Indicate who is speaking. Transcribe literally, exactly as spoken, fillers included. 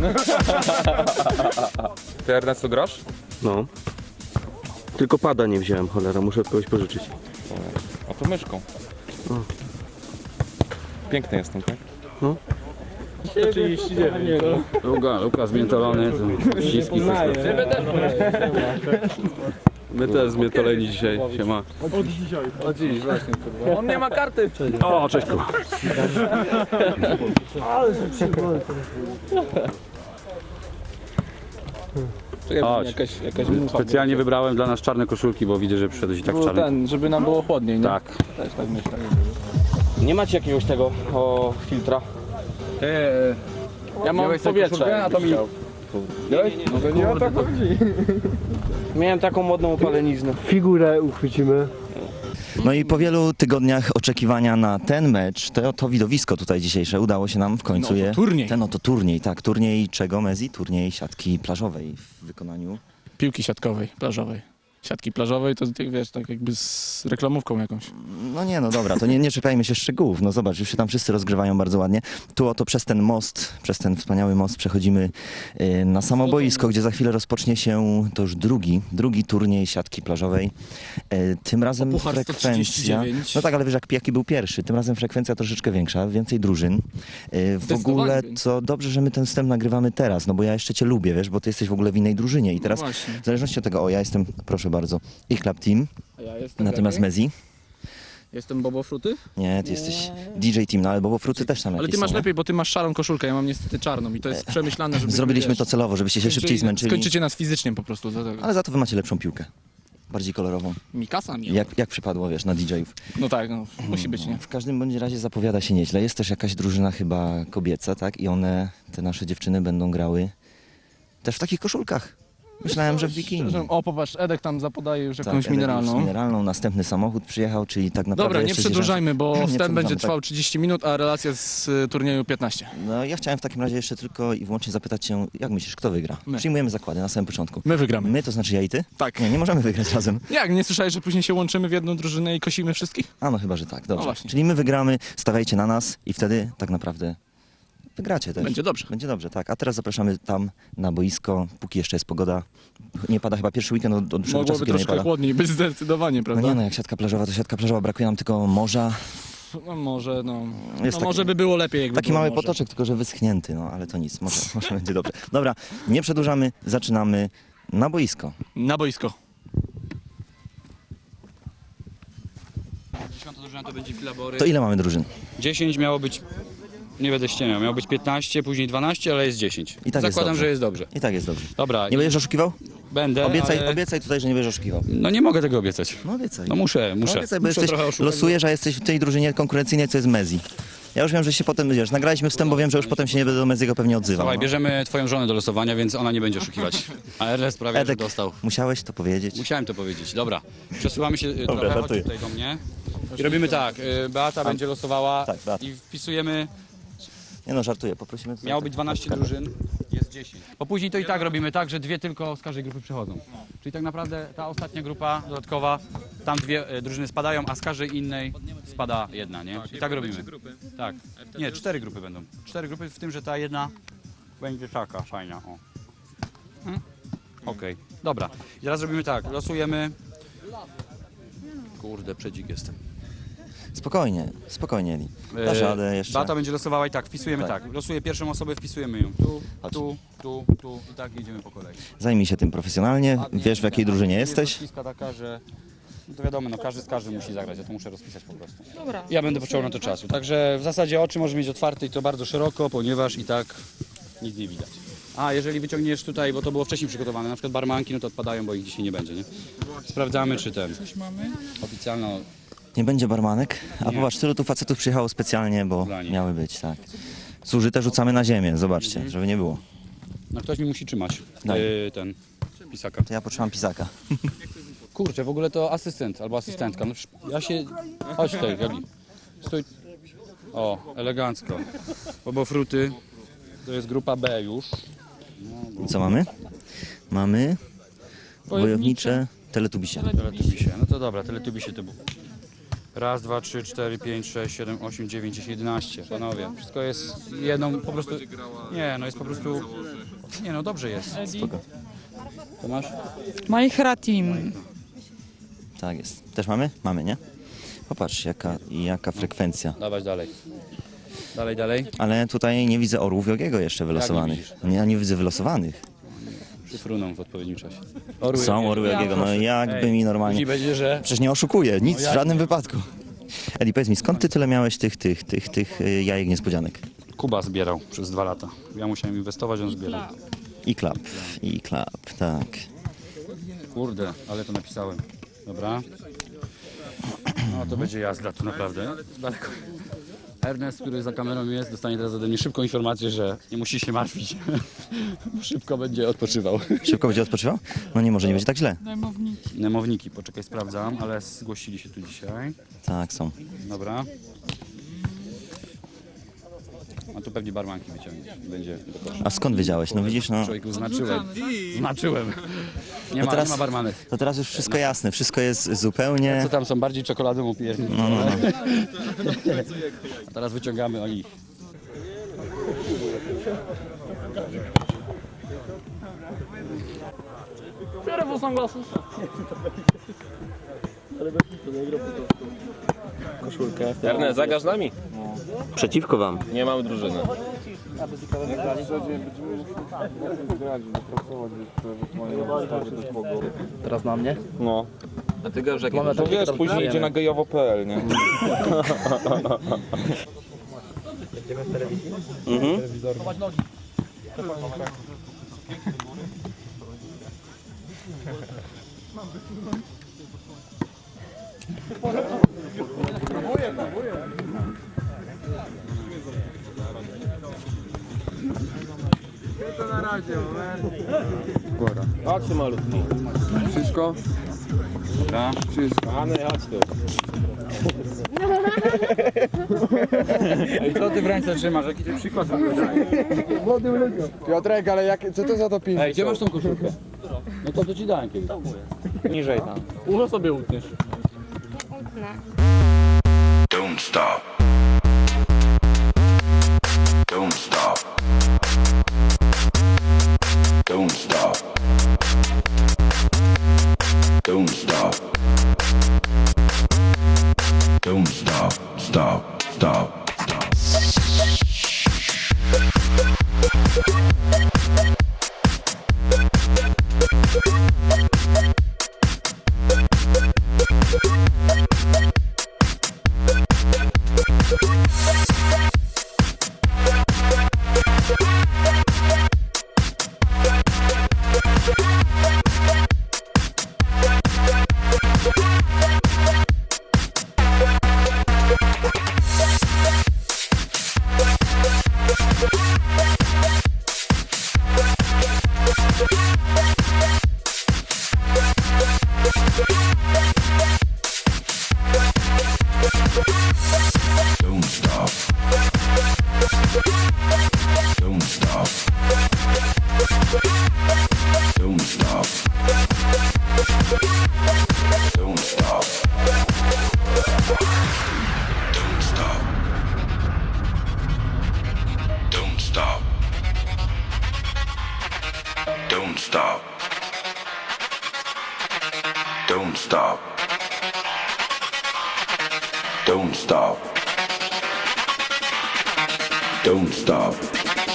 Speaker 1: Ty, Ernesto, grasz?
Speaker 2: No. Tylko pada nie wziąłem, cholera, muszę od kogoś pożyczyć.
Speaker 1: A to myszką. Piękny jestem, tak?
Speaker 2: No.
Speaker 3: trzydzieści dziewięć.
Speaker 4: Luka, Luka zmiętolony, ściski wszystko. My też zmiętoleni dzisiaj, siema.
Speaker 3: O dziś właśnie, kurwa. On nie ma karty.
Speaker 4: O, cześć kurwa.
Speaker 3: Czekaj,
Speaker 4: Chodź.
Speaker 3: jakaś, jakaś mucha.
Speaker 4: Specjalnie wybrałem dla nas czarne koszulki, bo widzę, że przyszedłeś i tak w
Speaker 3: Było
Speaker 4: czarnym.
Speaker 3: ten, żeby nam było chłodniej, nie?
Speaker 4: Tak.
Speaker 3: Też tak myślę.
Speaker 2: Nie macie jakiegoś tego, o, filtra?
Speaker 3: Eee, ja mam powietrze, a to mi... No to nie o to chodzi.
Speaker 2: Miałem taką modną opaleniznę.
Speaker 5: Figurę uchwycimy.
Speaker 6: No i po wielu tygodniach oczekiwania na ten mecz, to, to widowisko tutaj dzisiejsze udało się nam w końcu
Speaker 3: Ten oto
Speaker 6: je...
Speaker 3: turniej.
Speaker 6: Ten oto turniej, tak. Turniej czego, Mezi? Turniej siatki plażowej w wykonaniu...
Speaker 3: Piłki siatkowej, plażowej. Siatki plażowej to, ty wiesz, tak jakby z reklamówką jakąś.
Speaker 6: No nie, no dobra, to nie, nie czepiajmy się szczegółów. No zobacz, już się tam wszyscy rozgrywają bardzo ładnie. Tu oto przez ten most, przez ten wspaniały most przechodzimy y, na samo boisko, gdzie za chwilę rozpocznie się to już drugi, drugi turniej siatki plażowej. Y, tym razem
Speaker 3: O puchar sto trzydzieści
Speaker 6: frekwencja...
Speaker 3: dziewięć.
Speaker 6: No tak, ale wiesz, jak jaki był pierwszy. Tym razem frekwencja troszeczkę większa, więcej drużyn. Y, w
Speaker 3: Zdecydowanie
Speaker 6: ogóle
Speaker 3: więcej.
Speaker 6: to dobrze, że my ten wstęp nagrywamy teraz, no bo ja jeszcze cię lubię, wiesz, bo ty jesteś w ogóle w innej drużynie i teraz
Speaker 3: No właśnie.
Speaker 6: w zależności od tego, o ja jestem, proszę bardzo, ich Club Team,
Speaker 3: A ja jestem
Speaker 6: natomiast
Speaker 3: jaki?
Speaker 6: Mezi.
Speaker 3: Jestem Bobo Fruty?
Speaker 6: Nie, ty jesteś D J Team, no ale Bobo Fruty też tam
Speaker 3: Ale
Speaker 6: jakieś
Speaker 3: ty masz
Speaker 6: są, nie?
Speaker 3: lepiej, bo ty masz szarą koszulkę, ja mam niestety czarną i to jest przemyślane, żeby...
Speaker 6: Zrobiliśmy
Speaker 3: wiesz,
Speaker 6: to celowo, żebyście się szybciej
Speaker 3: skończyli-
Speaker 6: zmęczyli,
Speaker 3: Skończycie nas fizycznie po prostu. Za tego.
Speaker 6: ale za to wy macie lepszą piłkę. Bardziej kolorową.
Speaker 3: Mikasa nie.
Speaker 6: Jak, jak przypadło, wiesz, na D J-ów.
Speaker 3: No tak, no, musi być, nie?
Speaker 6: W każdym bądź razie zapowiada się nieźle. Jest też jakaś drużyna chyba kobieca, tak? I one, te nasze dziewczyny będą grały też w takich koszulkach. Myślałem, że w bikini.
Speaker 3: Szczerze, o, popatrz, Edek tam zapodaje już
Speaker 6: Tak,
Speaker 3: jakąś
Speaker 6: Edek już
Speaker 3: mineralną.
Speaker 6: z mineralną. Następny samochód przyjechał, czyli tak naprawdę
Speaker 3: Dobra, nie
Speaker 6: jeszcze
Speaker 3: przedłużajmy, bo
Speaker 6: Nie
Speaker 3: wstęp będzie
Speaker 6: przedłużamy,
Speaker 3: trwał
Speaker 6: tak.
Speaker 3: trzydzieści minut, a relacja z y, turnieju piętnaście.
Speaker 6: No ja chciałem w takim razie jeszcze tylko i wyłącznie zapytać cię, jak myślisz, kto wygra?
Speaker 3: My.
Speaker 6: Przyjmujemy zakłady na samym początku.
Speaker 3: My wygramy.
Speaker 6: My, to znaczy ja i ty?
Speaker 3: Tak.
Speaker 6: Nie, nie możemy wygrać razem.
Speaker 3: Jak, nie słyszałeś, że później się łączymy w jedną drużynę i kosimy wszystkich?
Speaker 6: A no chyba, że tak, dobrze.
Speaker 3: właśnie.
Speaker 6: Czyli my wygramy, stawiajcie na nas i wtedy tak naprawdę wygracie też.
Speaker 3: Będzie dobrze.
Speaker 6: Będzie dobrze, tak. A teraz zapraszamy tam na boisko, póki jeszcze jest pogoda. Nie pada chyba pierwszy weekend od, od dłuższego czasu,
Speaker 3: Mogłoby
Speaker 6: kiedy nie
Speaker 3: troszkę
Speaker 6: pada.
Speaker 3: chłodniej być zdecydowanie,
Speaker 6: No
Speaker 3: prawda?
Speaker 6: nie no, jak siatka plażowa, to siatka plażowa, brakuje nam tylko morza.
Speaker 3: No może, no, no
Speaker 6: Jest taki-
Speaker 3: może by było lepiej, jakby
Speaker 6: Taki
Speaker 3: było
Speaker 6: mały
Speaker 3: może.
Speaker 6: potoczek, tylko że wyschnięty, no ale to nic, może, może będzie dobrze. Dobra, nie przedłużamy, zaczynamy na boisko.
Speaker 3: Na boisko.
Speaker 4: Dziesiąta drużyna to będzie Filabory.
Speaker 6: To ile mamy drużyn?
Speaker 4: dziesięć miało być, nie będę ściemiał, miało być piętnaście, później dwanaście, ale jest dziesięć.
Speaker 6: I tak jest
Speaker 4: Zakładam,
Speaker 6: dobrze.
Speaker 4: że jest dobrze.
Speaker 6: I tak jest dobrze.
Speaker 4: Dobra,
Speaker 6: Nie
Speaker 4: i
Speaker 6: będziesz oszukiwał?
Speaker 4: będę,
Speaker 6: Obiecaj,
Speaker 4: ale...
Speaker 6: obiecaj tutaj, że nie będziesz oszukiwał.
Speaker 4: No nie mogę tego obiecać.
Speaker 6: No obiecaj.
Speaker 4: No muszę, muszę.
Speaker 6: No obiecaj, bo
Speaker 4: muszę
Speaker 6: jesteś,
Speaker 4: trochę oszukać.
Speaker 6: losujesz, a jesteś w tej drużynie konkurencyjnej, co jest Mezi. Ja już wiem, że się potem, wiesz, nagraliśmy wstęp, bo wiem, że już potem się nie będę do Meziego pewnie odzywał.
Speaker 4: Słuchaj,
Speaker 6: no.
Speaker 4: bierzemy twoją żonę do losowania, więc ona nie będzie oszukiwać. A Ernest prawie że
Speaker 6: Edek,
Speaker 4: dostał.
Speaker 6: musiałeś to powiedzieć.
Speaker 4: Musiałem to powiedzieć. Dobra, przesuwamy się y,
Speaker 6: Dobra,
Speaker 4: trochę, chodź
Speaker 6: żartuję.
Speaker 4: tutaj do mnie. I robimy tak, y, Beata będzie losowała
Speaker 6: Tak, Beata.
Speaker 4: i wpisujemy,
Speaker 6: Nie no, żartuję, poprosimy tutaj.
Speaker 4: miało
Speaker 6: tak-
Speaker 4: być dwanaście
Speaker 6: tak-
Speaker 4: drużyn, jest dziesięć. Bo później to i tak robimy tak, że dwie tylko z każdej grupy przechodzą. Czyli tak naprawdę ta ostatnia grupa dodatkowa, tam dwie y, drużyny spadają, a z każdej innej spada jedna, nie? I tak robimy. Tak. Nie, cztery grupy będą. Cztery grupy, w tym, że ta jedna będzie taka fajna. O. Hmm? Okej, dobra. I teraz robimy tak, losujemy. Kurde, przedzik jestem.
Speaker 6: Spokojnie, spokojnie, Eli. Dasz
Speaker 4: Eee,
Speaker 6: radę jeszcze.
Speaker 4: Beata będzie losowała i tak, wpisujemy
Speaker 6: Tak.
Speaker 4: tak. Losuję pierwszą osobę, wpisujemy ją. Tu,
Speaker 6: Chodź.
Speaker 4: tu, tu, tu i tak jedziemy po kolei.
Speaker 6: Zajmij się tym profesjonalnie,
Speaker 4: Ładnie,
Speaker 6: wiesz w jakiej
Speaker 4: tak.
Speaker 6: drużynie
Speaker 4: Jest
Speaker 6: jesteś.
Speaker 4: rozpiska taka, że no to wiadomo, no każdy z każdym musi zagrać, ja to muszę rozpisać po prostu. Dobra. Ja będę potrzebował na to czasu. Także w zasadzie oczy możesz mieć otwarte i to bardzo szeroko, ponieważ i tak nic nie widać. A jeżeli wyciągniesz tutaj, bo to było wcześniej przygotowane, na przykład barmanki, no to odpadają, bo ich dzisiaj nie będzie, nie? Sprawdzamy, czy ten. Coś mamy? Oficjalno.
Speaker 6: Nie będzie barmanek, a popatrz, tylu tu facetów przyjechało specjalnie, bo
Speaker 4: Dla nich.
Speaker 6: miały być, tak. Zużyte rzucamy na ziemię, zobaczcie, żeby nie było.
Speaker 4: No ktoś mi musi trzymać.
Speaker 6: Daj.
Speaker 4: Yy, ten. Pisaka.
Speaker 6: To ja potrzebam pisaka.
Speaker 4: Kurczę, w ogóle to asystent albo asystentka. No, przecież ja się... Chodź tutaj, Gabi. Stój. O, elegancko. Bobo Fruty. To jest grupa B już.
Speaker 6: I co mamy? Mamy wojownicze teletubisie.
Speaker 4: Teletubisie. No to dobra, teletubisie to był. Raz, dwa, trzy, cztery, pięć, sześć, siedem, osiem, dziewięć, dziesięć, jedenaście. Panowie, wszystko jest jedną po prostu... Nie, no jest po prostu... Nie no, dobrze jest. Co masz?
Speaker 5: Majchra Team.
Speaker 6: Tak jest. Też mamy? Mamy, nie? Popatrz, jaka, jaka frekwencja.
Speaker 4: Dawać dalej. Dalej, dalej.
Speaker 6: Ale tutaj nie widzę orłów Jogiego jeszcze wylosowanych.
Speaker 4: widzisz?
Speaker 6: Nie, ja nie widzę wylosowanych.
Speaker 4: Przyfruną w odpowiednim czasie.
Speaker 6: Są orły Jogiego, no jakby mi normalnie...
Speaker 4: Później będzie, że...
Speaker 6: Przecież nie oszukuję, nic w żadnym wypadku. Edi, powiedz mi, skąd ty tyle miałeś tych, tych, tych, tych y, jajek niespodzianek?
Speaker 4: Kuba zbierał przez dwa lata. Ja musiałem inwestować, on zbierał.
Speaker 6: I klap, i klap, tak.
Speaker 4: Kurde, ale to napisałem. Dobra. No to będzie jazda tu naprawdę. Daleko. Ernest, który za kamerą jest, dostanie teraz ode mnie szybką informację, że nie musi się martwić. Szybko będzie odpoczywał.
Speaker 6: Szybko będzie odpoczywał? No nie, może nie będzie tak źle.
Speaker 5: Najmowniki.
Speaker 4: Nemowniki, poczekaj, sprawdzam, ale zgłosili się tu dzisiaj.
Speaker 6: Tak, są.
Speaker 4: Dobra. A tu pewnie barmanki wyciągnie. Będzie do kosza.
Speaker 6: A skąd wiedziałeś? No widzisz, no...
Speaker 4: Człowieku, znaczyłem. Znaczyłem. Nie ma,
Speaker 6: teraz-
Speaker 4: nie ma barmanek.
Speaker 6: To teraz już wszystko jasne, wszystko jest zupełnie...
Speaker 4: Co tam są bardziej czekoladą upierni.
Speaker 6: No, no, no.
Speaker 4: A teraz wyciągamy o nich.
Speaker 2: Ernest, zagaż nami? Przeciwko wam. Nie mamy drużyny.
Speaker 3: Teraz na mnie?
Speaker 2: No. A ty go już jak
Speaker 1: To wiesz, później idzie na gejowo kropka pe el, nie?
Speaker 2: Mhm. Chodźcie malutki.
Speaker 3: Wszystko?
Speaker 4: Dobra.
Speaker 2: Kochany, chodź tu.
Speaker 4: Ej, co ty w ręce trzymasz? Jaki ty przykład w ogóle dajesz?
Speaker 3: Piotrek, ale jak, co to za to pięć?
Speaker 4: Ej, gdzie masz tą koszulkę? No to to ci dałem kiedyś.
Speaker 2: Niżej tam.
Speaker 4: Ucho sobie utniesz.
Speaker 7: Don't stop. Don't stop. Don't stop. Don't stop. Don't stop. Stop. Stop. Stop. Don't stop. Don't stop. Don't stop. Don't stop. Don't stop. Don't stop. Don't stop. Don't stop. Don't stop. Don't stop.